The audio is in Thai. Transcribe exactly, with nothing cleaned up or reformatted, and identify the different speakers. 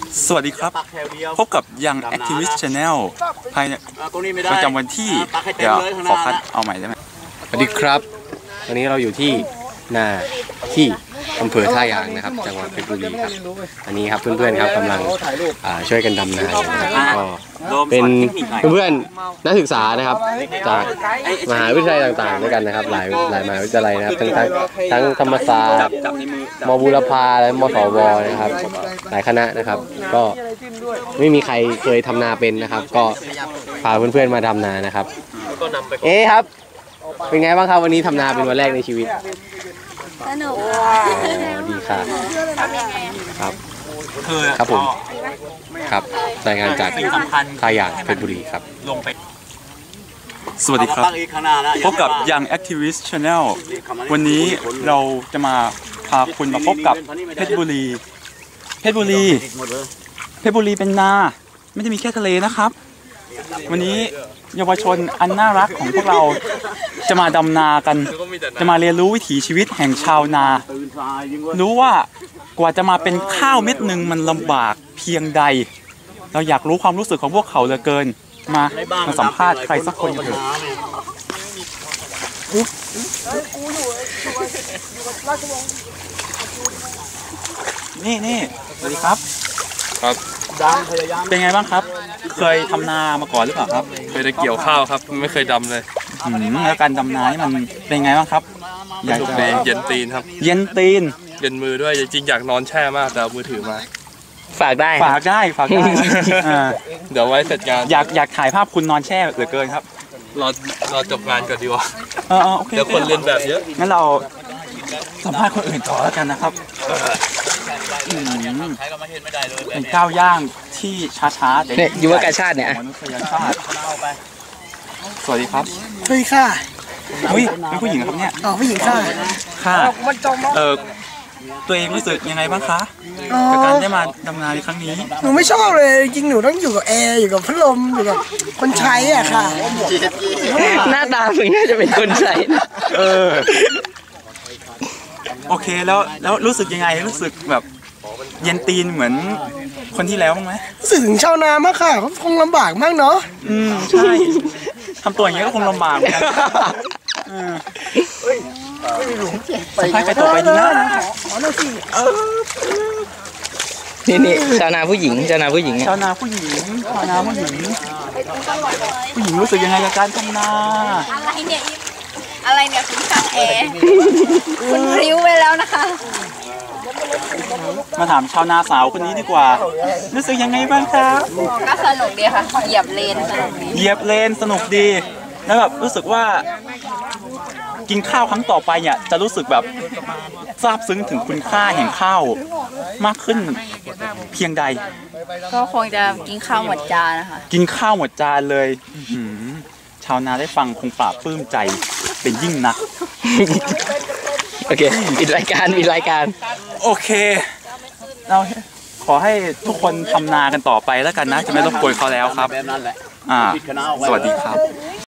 Speaker 1: สวัสดีครับพบกับยัง Activist Channel ภายในประจำวันที่เดี๋ยวขอคัดเอาใหม่ได้ไหม
Speaker 2: สวัสดีครับวันนี้เราอยู่ที่นาที่อำเภอท่ายางนะครับจังหวัดเพชรบุรีครับอันนี้ครับเพื่อนๆครับกำลังช่วยกันดำนาก็เป็นเพื่อนๆนักศึกษานะครับจากมหาวิทยาลัยต่างๆด้วยกันนะครับหลายหลายมหาวิทยาลัยนะครับทั้งทั้งทั้งธรรมศาสตร์มบูรพาและมสวนะครับหลายคณะนะครับก็ไม่มีใครเคยทำนาเป็นนะครับก็พาเพื่อนๆมาดำนานะครับเอ๊ครับเป็นไงบ้างครับวันนี้ทำนาเป็นวันแรกในชีวิต
Speaker 3: สนุก
Speaker 2: ดีค่ะครับครับผมครับรายงานจากท่ายางเพชรบุรีครับ
Speaker 1: ลงไปสวัสดีครับพบกับยัง Activist Channel วันนี้เราจะมาพาคุณมาพบกับเพชรบุรีเพชรบุรีเพชรบุรีเป็นนาไม่ได้มีแค่ทะเลนะครับวันนี้เยาวชนอันน่ารักของพวกเราจะมาดำนากันจะมาเรียนรู้วิถีชีวิตแห่งชาวนารู้ว่ากว่าจะมาเป็นข้าวเม็ดหนึ่งมันลำบากเพียงใดเราอยากรู้ความรู้สึกของพวกเขาเหลือเกินมามาสัมภาษณ์ใครสักคนกันเถอะนี่นี่สวัสดีครับ
Speaker 4: ครับ
Speaker 1: เป็นไงบ้างครับเคยทำนามาก่อนหรือเปล่าครับ
Speaker 4: เคยได้เกี่ยวข้าวครับไม่เคยดำเลย
Speaker 1: แล้วการดำนานี่มันเป็นไงบ้างครับ
Speaker 4: อยากจะเย็นตีนครับ
Speaker 1: เย็นตีน
Speaker 4: เย็นมือด้วยจริงอยากนอนแช่มากแต่เอามือถือมา
Speaker 2: ฝากได้
Speaker 1: ฝากได้ฝากได้
Speaker 4: เดี๋ยวไว้เสร็จงาน
Speaker 1: อยากอยากถ่ายภาพคุณนอนแช่เหลือเกินครับ
Speaker 4: รอรอจบงานก่อนดีกว่า
Speaker 1: เออโอเค
Speaker 4: เดี๋ยวคนเรียนแบบเยอะ
Speaker 1: งั้นเราสัมภาษณ์คนอื่นต่อแล้วกันนะครับเป็นก้าวย่างที่ช้าๆแต่
Speaker 2: ยุวกาชาติเนี่ย
Speaker 1: มนุษยชาติสวัสดีครับ
Speaker 5: สวัสดีค่ะ
Speaker 1: เฮ้ยเป็นผู้หญิงครับเนี่ย
Speaker 5: อ๋อผู้หญิงค่ะ
Speaker 1: ค่ะเออตัวเองรู้สึกยังไงบ้างคะกับการได้มาดำนาในครั้งนี้
Speaker 5: หนูไม่ชอบเลยจริงหนูต้องอยู่กับแอร์อยู่กับพัดลมอยู่กับคนใช้อ่ะค่ะ
Speaker 2: หน้าตาถึงน่าจะเป็นคนใช้
Speaker 1: เออโอเคแล้วแล้วรู้สึกยังไงรู้สึกแบบเย็นตีนเหมือนคนที่แล้วบ้างไหม
Speaker 5: รู้สึกถึงชาวนามากค่ะเขาคงลำบากมากเนาะ
Speaker 1: อืมใช่ทำตัวอย่างนี้ก็คงลำบากเหมือนกันสัมภาษณ์ใครต่อไปดีนะ
Speaker 2: นี่นี่ชาวนาผู้หญิงชาวนาผู้หญิง
Speaker 1: ชาวนาผู้หญิงชาวนาผู้หญิงผู้หญิงรู้สึกยังไงกับการทำนา
Speaker 3: อะไรเนี่ยอะไรเนี่ยคุณช่างแอร์คุณริ้วไปแล้วนะคะ
Speaker 1: มาถามชาวนาสาวคนนี้ดีกว่ารู้สึกยังไงบ้างครับ
Speaker 3: ก็สนุกดีค่ะเหยียบเลนสนุกดี
Speaker 1: เหยียบเลนสนุกดีแล้วแบบรู้สึกว่ากินข้าวครั้งต่อไปเนี่ยจะรู้สึกแบบซาบซึ้งถึงคุณค่าแห่งข้าวมากขึ้นเพียงใด
Speaker 3: ก็คงจะกินข้าวหมดจานนะคะ
Speaker 1: กินข้าวหมดจานเลยชาวนาได้ฟังคงปลาบปลื้มใจเป็นยิ่งนัก
Speaker 2: โอเคปิดรายการปิดรายการ
Speaker 1: โอเคเราขอให้ทุกคนทำนากันต่อไปแล้วกันนะจะไม่รบกวนเขาแล้วครับอ่าสวัสดีครับ